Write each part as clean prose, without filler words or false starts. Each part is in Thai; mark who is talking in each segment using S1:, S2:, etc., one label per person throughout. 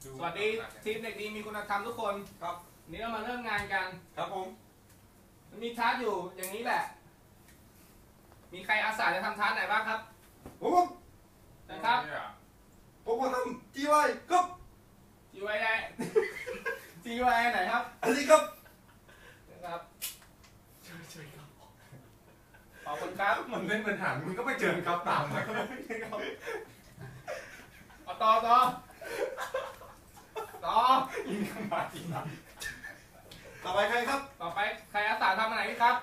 S1: สวัสดีทีมเด็กดีมีคุณธรรมทุกคนครับนี้เรามาเริ่มงานกัน
S2: ครับผม
S1: มีทาสอยู่อย่างนี้แหละมีใครอาสาจะทำทาสไหนบ้างครับ
S2: ผม
S1: นะครับ
S2: ผมทำจีไวครับ
S1: จีไว้ได้ จีไว้ไหนครับ
S2: อันนี้ครับ
S1: นะครับขอบคุณครับ
S2: มันเล่นปัญหามึงก็ไม่เจอครับตามนะ
S1: เอาต่อ
S2: ยิงเข้ามาอีกนะต่อไปใครครับ
S1: ต่อไปใครอาสาทำอะไรครับ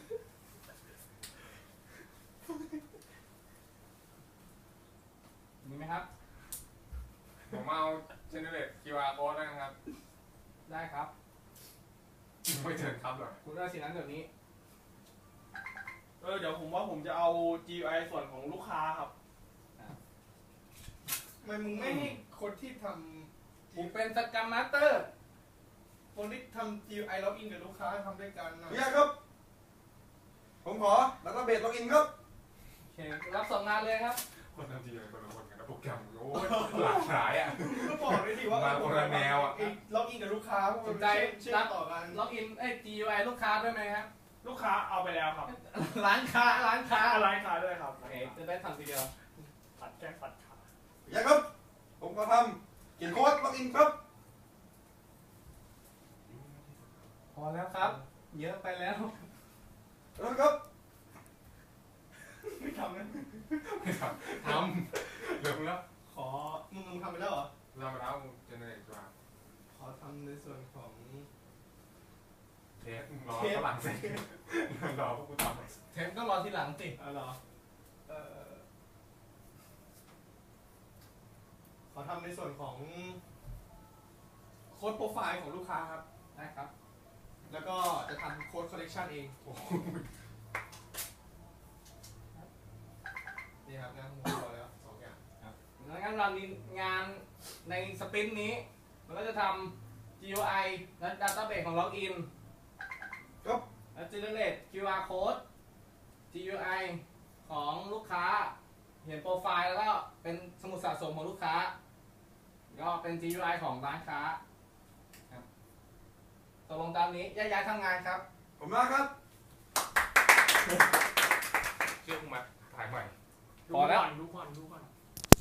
S1: มีไหมครับ
S3: ผมเอาเจเนเรต QR code ได้ครับ
S1: ได้ครับ
S3: ไม่เชิญครับหรอ
S1: คุณเอาสิ่งนั้นเดี๋ยวนี้
S4: เดี๋ยวผมว่าผมจะเอา GUI ส่วนของลูกค้าครับ
S2: ทำไมมึงไม่ให้คนที่ทำ
S1: ผมเป็นสกัมมาสเตอร์
S2: คนที่ทำ GUI ล็อกอินกับลูกค้าทำด้วยกันนะพี่ครับ ผมขอแล้วก็เบสล็อกอินครับ
S1: โอเครับส่งงานเลยครับ
S3: คนทำ GUI คนละคนกันนะโปรแกรมโอ้ยหลากหลายอ่ะ
S4: ก็บอกเลยดิว่า
S3: มาคนละแนวอ่ะ
S4: ล็อกอินกับลูกค้า
S1: สนใจ
S4: รับต่อกัน
S1: ล็อกอินGUI ลูกค้าด้วยไหมครับ
S4: ลูกค้าเอาไปแล้วครับ
S1: ร้านค้า
S4: ร้านค้าด้วยครับ
S1: โอเคจะได้ทำทีเดียว
S4: ปัดแก้ปัดขา
S2: อย่าครับผมก็ทำเขียนโค้ดล็อกอินครับ
S1: พอแล้วครับเยอะไปแล้ว
S2: ครับ
S4: ไม่ทำนะ
S3: ไม่ทำเริ่มแล้ว
S4: ขอมึงทำไปแล้วเหรอ
S3: เราไปแล้วเจเนเรต QR
S4: ขอทำในส่วนของ
S3: เทปรอฝรั่งเศสรอพวกกูทำ
S1: เทปต้องรอทีหลังสิ
S4: เหรอขอทำในส่วนของโค้ดโปรไฟล์ของลูกค้าครับ
S1: ได้ครับ
S4: แล้วก็จะทำโค้ดคอลเลกชันเองนี่ครับงานของเราแล้ว2 อย่าง
S1: ครับงั้นเรามีงานในสปรินต์นี้มันก็จะทำ GUI และ Database ของ Login
S2: ครับ
S1: และ Generate QR Code GUI ของลูกค้าเห็นโปรไฟล์แล้วก็เป็นสมุดสะสมของลูกค้าก็เป็น GUI ของร้านค้าครับตกลงตามนี้ย้ายทำงานครับ
S2: ผมมาครับ
S3: เชื่อกูมาถ่ายใหม่
S1: พอแล้ว
S4: ดูก่อน